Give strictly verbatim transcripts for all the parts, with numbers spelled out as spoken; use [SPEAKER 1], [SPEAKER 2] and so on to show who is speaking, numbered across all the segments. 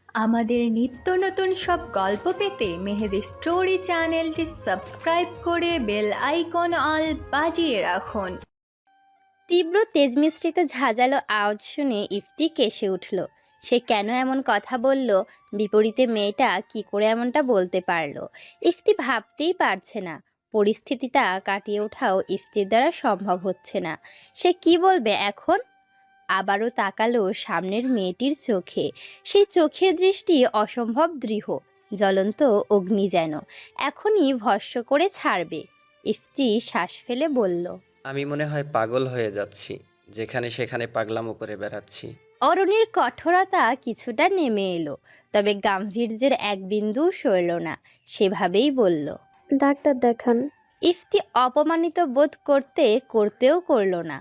[SPEAKER 1] আমাদের নিত্য নতুন সব গল্প পেতে মেহেদি স্টোরি চ্যানেলটি সাবস্ক্রাইব করে বেল আইকন অল বাজিয়ে রাখুন।
[SPEAKER 2] তীব্র তেজমিশ্রিত ঝাঁঝালো আওয়াজ শুনে ইফতি কেসে উঠল। সে কেন এমন কথা বলল? বিপরীতে মেয়েটা কি করে এমনটা বলতে পারলো? ইফতি ভাবতেই পারছে না। পরিস্থিতিটা কাটিয়ে ওঠাও ইফতির দ্বারা সম্ভব হচ্ছে না। সে কি বলবে এখন? আবারও তাকালো সামনের মেয়েটির চোখে। সেই চোখের দৃষ্টি অসম্ভব দৃঢ়, জ্বলন্ত অগ্নি যেন এখনই ভস্ম করে ছাড়বে। ইফতি শ্বাস ফেলে বলল,
[SPEAKER 3] আমি মনে হয় পাগল হয়ে যাচ্ছি, যেখানে সেখানে পাগলামো করে বেড়াচ্ছি।
[SPEAKER 2] অরণির কঠোরতা কিছুটা নেমে এলো, তবে গাম্ভীর্যের এক বিন্দু সরল না। সেভাবেই বলল,
[SPEAKER 4] ডাক্তার দেখান।
[SPEAKER 2] ইফতি অপমানিত বোধ করতে করতেও করল না,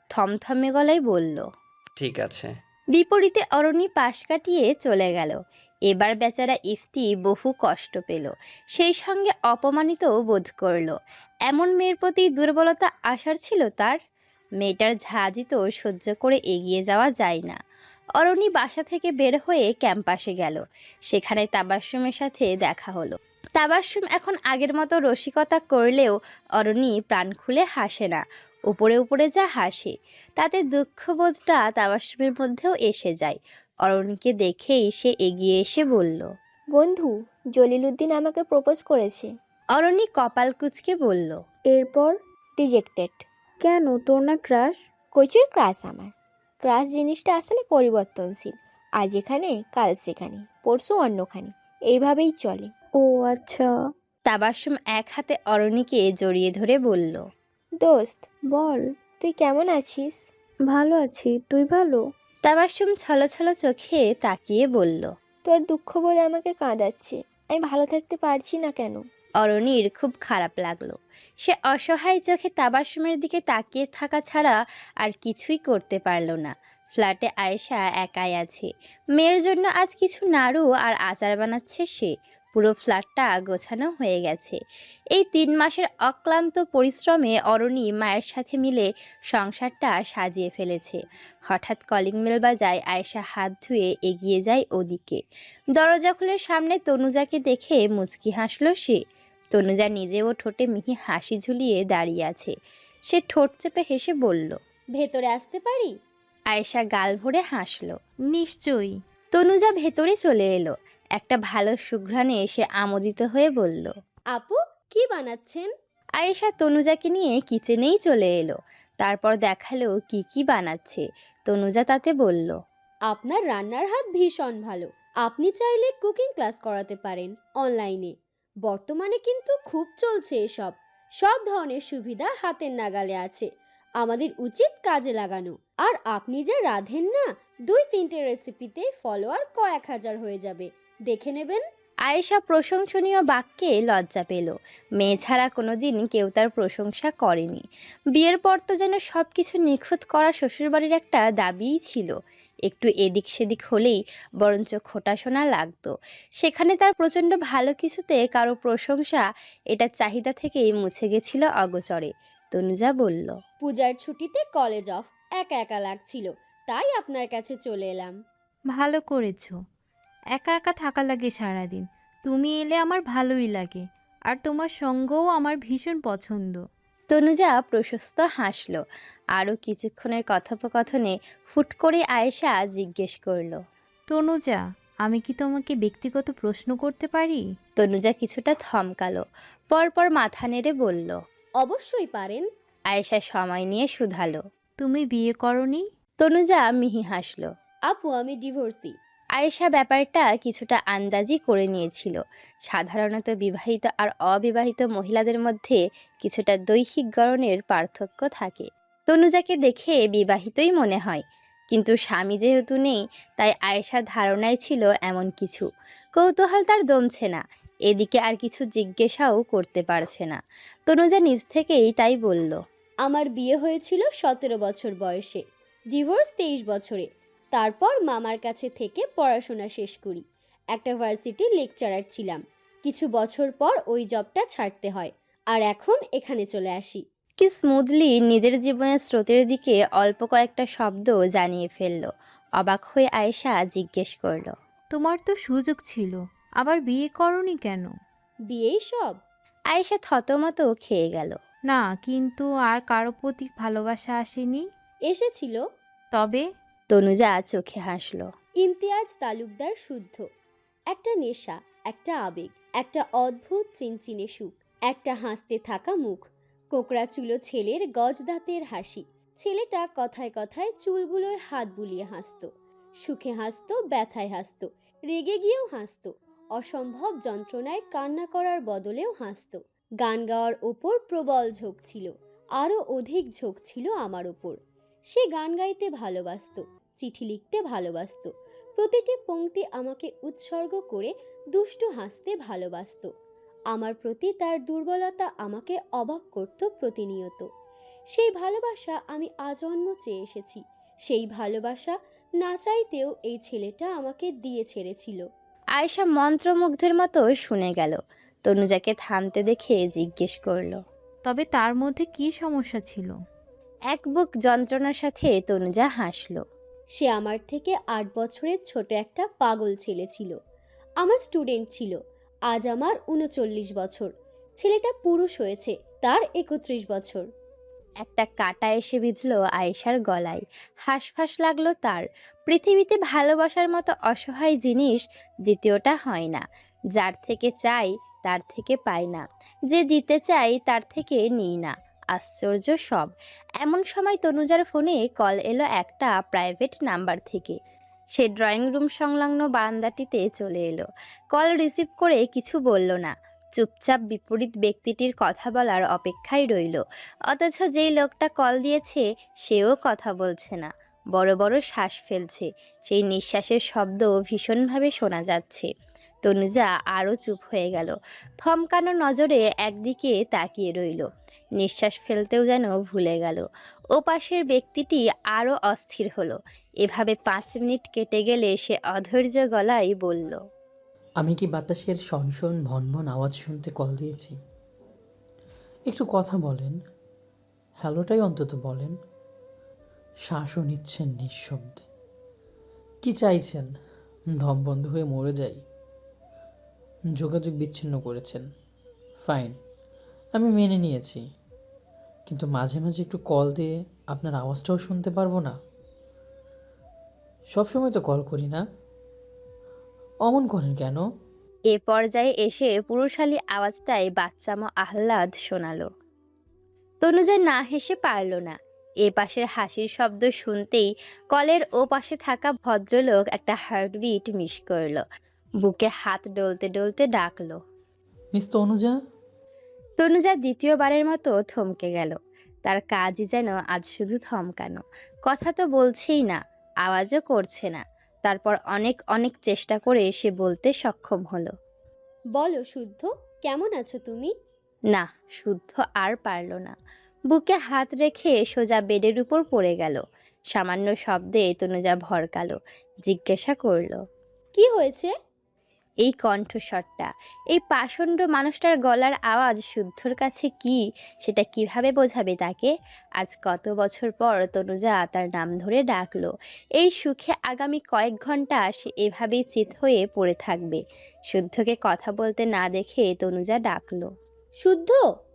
[SPEAKER 2] থমথমে গলায় বলল।
[SPEAKER 3] ঠিক আছে।
[SPEAKER 2] বিপরীতে অরণি পাশ কাটিয়ে চলে গেল। এবার বেচারা ইফতি বহু কষ্ট পেল, সেই সঙ্গে অপমানিতও বোধ করল। এমন মেয়ের প্রতি দুর্বলতা আসার ছিল তার? মেয়েটার ঝাঁজি তো সহ্য করে এগিয়ে যাওয়া যায় না। অরণি বাসা থেকে বের হয়ে ক্যাম্পাসে গেল। সেখানে তাবাস্সুমের সাথে দেখা হলো। তাবাস্সুম এখন আগের মতো রসিকতা করলেও অরণি প্রাণ খুলে হাসে না। উপরে উপরে যা হাসে, তাতে দুঃখবোধটা তাবাস্সুমের মধ্যেও এসে যায়। অরণিকে দেখেই সে এগিয়ে এসে বলল,
[SPEAKER 5] বন্ধু, জলিলুদ্দিন আমাকে প্রপোজ করেছে।
[SPEAKER 2] অরণি কপাল কুঁচকে বলল,
[SPEAKER 4] এরপর?
[SPEAKER 5] রিজেক্টেড।
[SPEAKER 4] কেন, তোর না ক্রাশ?
[SPEAKER 5] কইচির ক্রাশ আমার। ক্রাশ জিনিসটা আসলে পরিবর্তনশীল। আজ এখানে, কাল সেখানে, পরশু অন্যখানে, এইভাবেই চলে।
[SPEAKER 4] ও আচ্ছা।
[SPEAKER 2] তাবাস্সুম এক হাতে অরণিকে জড়িয়ে ধরে বলল,
[SPEAKER 5] দোস্ত,
[SPEAKER 4] বল।
[SPEAKER 5] তুই কেমন আছিস?
[SPEAKER 4] ভালো আছি, তুই ভালো?
[SPEAKER 2] তাবাস্সুম ছলছল চোখে তাকিয়ে বলল।
[SPEAKER 5] তোর দুঃখ বলে আমাকে কাঁদাচ্ছে। আমি ভালো থাকতে পারছি না কেন?
[SPEAKER 2] অরণির খুব খারাপ লাগলো। সে অসহায় চোখে তাবাস্সুমের দিকে তাকিয়ে থাকা ছাড়া আর কিছুই করতে পারল না। ফ্ল্যাটে আয়েশা একাই আছে। মেয়ের জন্য আজ কিছু নাড়ু আর আচার বানাচ্ছে সে। পুরো ফ্ল্যাটটা গোছানো হয়ে গেছে। এই তিন মাসের অক্লান্ত পরিশ্রমে অরণি মায়ের সাথে মিলে সংসারটা সাজিয়ে ফেলেছে। হঠাৎ কলিং বেল বাজায়। আয়েশা হাত ধুয়ে এগিয়ে যায় ওদিকে। দরজা খুলে সামনে তনুজাকে দেখে মুচকি হাসল সে। তনুজা নিজেও ঠোঁটে মিহি হাসি ঝুলিয়ে দাঁড়িয়ে আছে। সে ঠোঁট চেপে হেসে বলল,
[SPEAKER 5] ভেতরে আসতে পারি?
[SPEAKER 2] আয়েশা গাল ভরে হাসল।
[SPEAKER 6] নিশ্চয়ই।
[SPEAKER 2] তনুজা ভেতরে চলে এলো। একটা ভালো সুঘ্রাণে এসে আমোদিত হয়ে বলল,
[SPEAKER 5] আপু, কি বানাচ্ছেন?
[SPEAKER 2] আয়েশা তনুজাকে নিয়ে কিচেনেই চলে এলো। তারপর দেখালো কি কি বানাচ্ছে। তনুজা তাতে বলল,
[SPEAKER 7] আপনার রান্নার হাত ভীষণ ভালো। আপনি চাইলে কুকিং ক্লাস করাতে পারেন অনলাইনে। বর্তমানে কিন্তু খুব চলছে এসব। সব ধরনের সুবিধা হাতের নাগালে আছে। আমাদের উচিত কাজে লাগানো। আর আপনি যা রাঁধেন না, দুই তিনটে রেসিপিতে ফলোয়ার কয়েক হাজার হয়ে যাবে। দেখে নেবেন।
[SPEAKER 2] আয়েশা প্রশংসনীয় বাক্যে লজ্জা পেল। মেয়ে ছাড়া কোনোদিন কেউ তার প্রশংসা করেনি। বিয়ের পর তো যেন সব কিছু নিখুঁত করা শ্বশুরবাড়ির একটা দাবিই ছিল। একটু এদিক সেদিক হলেই বরঞ্চ খোঁটা শোনা লাগতো। সেখানে তার প্রচণ্ড ভালো কিছুতে কারো প্রশংসা, এটা চাহিদা থেকেই মুছে গেছিল অগোচরে। তনুজা বলল,
[SPEAKER 7] পূজার ছুটিতে কলেজ অফ, একা একা লাগছিল, তাই আপনার কাছে চলে এলাম।
[SPEAKER 6] ভালো করেছো। একা একা থাকা লাগে সারাদিন। তুমি এলে আমার ভালোই লাগে। আর তোমার সঙ্গও আমার ভীষণ পছন্দ।
[SPEAKER 2] তনুজা প্রশস্ত হাসল। আরও কিছুক্ষণের কথোপকথনে হুট করে আয়েশা জিজ্ঞেস করল,
[SPEAKER 6] তনুজা, আমি কি তোমাকে ব্যক্তিগত প্রশ্ন করতে পারি?
[SPEAKER 2] তনুজা কিছুটা থমকালো, পরপর মাথা নেড়ে বলল।
[SPEAKER 7] অবশ্যই পারেন।
[SPEAKER 2] আয়েশা সময় নিয়ে শুধালো,
[SPEAKER 6] তুমি বিয়ে করনি?
[SPEAKER 2] তনুজা মিহি হাসল।
[SPEAKER 7] আপু, আমি ডিভোর্সি।
[SPEAKER 2] আয়েশা ব্যাপারটা কিছুটা আন্দাজি করে নিয়েছিল। সাধারণত বিবাহিত আর অবিবাহিত মহিলাদের মধ্যে কিছুটা দৈহিক গড়নের পার্থক্য থাকে। তনুজাকে দেখে বিবাহিতই মনে হয়, কিন্তু স্বামী যেহেতু নেই, তাই আয়েশার ধারণাই ছিল এমন কিছু। কৌতূহল তার দমছে না, এদিকে আর কিছু জিজ্ঞাসাও করতে পারছে না। তনুজা নিজ থেকেই তাই বলল,
[SPEAKER 7] আমার বিয়ে হয়েছিল সতেরো বছর বয়সে, ডিভোর্স তেইশ বছরে। তারপর মামার কাছে থেকে পড়াশোনা শেষ করি। একটা ভার্সিটির লেকচারার ছিলাম। কিছু বছর পর ওই জবটা ছাড়তে হয়, আর এখন এখানে চলে আসি।
[SPEAKER 2] কি স্মুথলি নিজের জীবনের স্রোতের দিকে অল্প কয়েকটা শব্দ জানিয়ে ফেলল। অবাক হয়ে আয়েশা জিজ্ঞেস করল,
[SPEAKER 6] তোমার তো সুযোগ ছিল, আবার বিয়ে করনি কেন?
[SPEAKER 7] বিয়েই সব?
[SPEAKER 2] আয়েশা থতমত খেয়ে গেল।
[SPEAKER 6] না, কিন্তু আর কারো প্রতি ভালোবাসা আসেনি।
[SPEAKER 7] এসেছিল।
[SPEAKER 6] তবে
[SPEAKER 2] তনুজা চোখে হাসল।
[SPEAKER 7] ইমতিয়াজ তালুকদার শুদ্ধ। একটা নেশা, একটা আবেগ, একটা অদ্ভুত চিনচিনে সুখ, একটা হাসতে থাকা মুখ, কোকড়া চুলো ছেলের গজদাঁতের হাসি। ছেলেটা কথায় কথায় চুলগুলোয় হাত বুলিয়ে হাসতো, সুখে হাসতো, ব্যথায় হাসতো, রেগে গিয়েও হাসতো, অসম্ভব যন্ত্রণায় কান্না করার বদলেও হাসতো। গান গাওয়ার ওপর প্রবল ঝোঁক ছিল, আরও অধিক ঝোঁক ছিল আমার ওপর। সে গান গাইতে ভালোবাসতো, চিঠি লিখতে ভালোবাসতো, প্রতিটি পংক্তি আমাকে উৎসর্গ করে দুষ্টু হাসতে ভালোবাসতো। আমার প্রতি তার দুর্বলতা আমাকে অবাক করত প্রতিনিয়ত। সেই ভালোবাসা আমি আজন্ম চেয়ে এসেছি। সেই ভালোবাসা না চাইতেও এই ছেলেটা আমাকে দিয়ে ছেড়েছিল।
[SPEAKER 2] আয়েশা মন্ত্রমুগ্ধের মতো শুনে গেল। তনুজাকে থামতে দেখে জিজ্ঞেস করলো।
[SPEAKER 6] তবে তার মধ্যে কি সমস্যা ছিল?
[SPEAKER 2] এক বুক যন্ত্রণার সাথে তনুজা হাসল।
[SPEAKER 7] সে আমার থেকে আট বছরের ছোট একটা পাগল ছেলে ছিল। আমার স্টুডেন্ট ছিল। আজ আমার উনচল্লিশ বছর। ছেলেটা পুরুষ হয়েছে, তার একত্রিশ বছর।
[SPEAKER 2] একটা কাঁটা এসে বিঁধল আয়েশার গলায়। হাঁসফাঁস লাগলো তার। পৃথিবীতে ভালোবাসার মতো অসহায় জিনিস দ্বিতীয়টা হয় না। যার থেকে চাই তার থেকে পাই না, যে দিতে চাই তার থেকে নিই না। আশ্চর্য সব। এমন সময় তনুজার ফোনে কল এলো একটা প্রাইভেট নাম্বার থেকে। সে ড্রয়িং রুম সংলগ্ন বারান্দাটিতে চলে এলো। কল রিসিভ করে কিছু বলল না, চুপচাপ বিপরীত ব্যক্তিটির কথা বলার অপেক্ষায় রইল। অথচ যেই লোকটা কল দিয়েছে সেও কথা বলছে না, বড় বড় শ্বাস ফেলছে। সেই নিঃশ্বাসের শব্দ ভীষণভাবে শোনা যাচ্ছে। তনুজা আরও চুপ হয়ে গেল, থমকানো নজরে একদিকে তাকিয়ে রইল। নিঃশ্বাস ফেলতেও যেন ভুলে গেল। ও পাশের ব্যক্তিটি আরও অস্থির হলো। এভাবে পাঁচ মিনিট কেটে গেলে সে অধৈর্য গলায় বলল,
[SPEAKER 8] আমি কি বাতাসের সনসন ভনভন আওয়াজ শুনতে কল দিয়েছি? একটু কথা বলেন, হ্যালোটাই অন্তত বলেন। শ্বাসও নিচ্ছেন নিঃশব্দে। কি চাইছেন? দম বন্ধ হয়ে মরে যাই? যোগাযোগ বিচ্ছিন্ন করেছেন, ফাইন, আমি মেনে নিয়েছি। কিন্তু মাঝে মাঝে একটু কল দিয়ে আপনার আওয়াজটাও শুনতে পারবো না? সবসময় তো কল করি না, অমন করেন কেন?
[SPEAKER 2] এ পর্যায়ে এসে পুরুষালী আওয়াজটায় বাচ্চামো আহ্লাদ শোনালো। তনুজা না হেসে পারল না। এ পাশের হাসির শব্দ শুনতেই কলের ও পাশে থাকা ভদ্রলোক একটা হার্টবিট মিস করলো। বুকে হাত ডলতে ডলতে ডাকলো,
[SPEAKER 8] মিস তনুজা।
[SPEAKER 2] তনুজা দ্বিতীয়বারের মতো থমকে গেল। তার কাজই যেন আজ শুধু থমকানো। কথা তো বলছেই না, আওয়াজও করছে না। তারপর অনেক অনেক চেষ্টা করে সে বলতে সক্ষম হলো,
[SPEAKER 7] বলো শুদ্ধ, কেমন আছো তুমি?
[SPEAKER 2] না, শুদ্ধ আর পারল না। বুকে হাত রেখে সোজা বেডের উপর পড়ে গেল। সামান্য শব্দে তনুজা ভরকালো, জিজ্ঞাসা করলো,
[SPEAKER 7] কি হয়েছে?
[SPEAKER 2] এই কণ্ঠস্বরটা, এই পাষণ্ড মানুষটার গলার আওয়াজ শুদ্ধর কাছে কি, সেটা কিভাবে বোঝাবে তাকে? আজ কত বছর পর তনুজা তার নাম ধরে ডাকলো। এই সুখে আগামী কয়েক ঘন্টা সে এভাবেই চিত হয়ে পড়ে থাকবে। শুদ্ধকে কথা বলতে না দেখে তনুজা ডাকলো,
[SPEAKER 7] শুদ্ধ।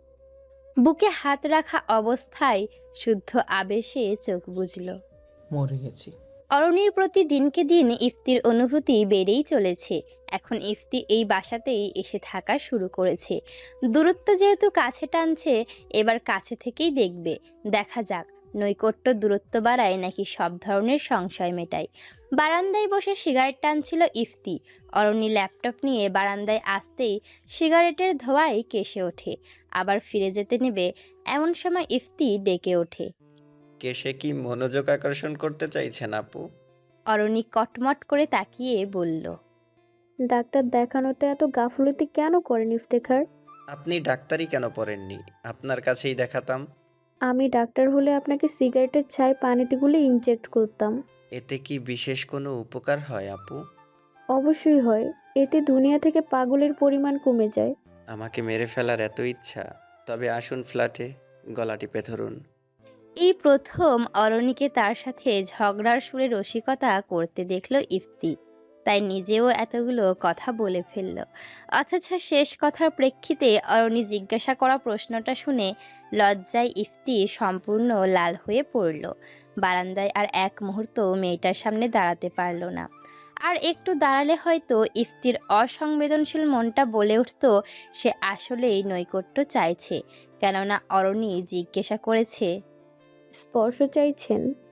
[SPEAKER 2] বুকে হাত রাখা অবস্থায় শুদ্ধ আবেশে চোখ বুজল।
[SPEAKER 8] মরে গেছি।
[SPEAKER 2] অরণির প্রতি দিনকে দিন ইফতির অনুভূতি বেড়েই চলেছে। এখন ইফতি এই বাসাতেই এসে থাকা শুরু করেছে। দূরত্ব যেহেতু কাছে টানছে, এবার কাছে থেকেই দেখবে। দেখা যাক নৈকট্য দূরত্ব বাড়ায় নাকি সব ধরনের সংশয় মেটায়। বারান্দায় বসে সিগারেট টানছিল ইফতি। অরণি ল্যাপটপ নিয়ে বারান্দায় আসতেই সিগারেটের ধোঁয়ায় কেসে ওঠে। আবার ফিরে যেতে নেবে, এমন সময় ইফতি ডেকে ওঠে।
[SPEAKER 3] কেসে কি মনোযোগ আকর্ষণ করতে চাইছেন আপু?
[SPEAKER 2] অরণি কটমট করে তাকিয়ে বলল,
[SPEAKER 4] ডাক্তার দেখানোতে এত গাফলতি কেন করেন ইফতেখার?
[SPEAKER 3] আপনি ডাক্তারি কেন পড়েননি? আপনার কাছেই দেখাতাম।
[SPEAKER 4] আমি ডাক্তার হলে আপনাকে সিগারেটের ছাই পানিতে গুলে ইনজেক্ট করতাম।
[SPEAKER 3] এতে কি বিশেষ কোনো উপকার হয় আপু?
[SPEAKER 4] অবশ্যই হয়, এতে দুনিয়া থেকে পাগলের পরিমাণ কমে যায়।
[SPEAKER 3] আমাকে মেরে ফেলার এত ইচ্ছা? তবে আসুন ফ্ল্যাটে, গলা টিপে ধরুন।
[SPEAKER 2] এই প্রথম অরণিকে তার সাথে ঝগড়ার সুরে রসিকতা করতে দেখল ইফতি। তাই নিজেও এতগুলো কথা বলে ফেলল। অথচ শেষ কথার প্রেক্ষিতে অরণি জিজ্ঞাসা করা প্রশ্নটা শুনে লজ্জায় ইফতি সম্পূর্ণ লাল হয়ে পড়ল। বারান্দায় আর এক মুহূর্ত মেয়েটার সামনে দাঁড়াতে পারল না। আর একটু দাঁড়ালে হয়তো ইফতির অসংবেদনশীল মনটা বলে উঠত সে আসলেই নৈকট্য চাইছে, কেননা অরণি জিজ্ঞাসা করেছে,
[SPEAKER 4] স্পর্শ চাইছেন?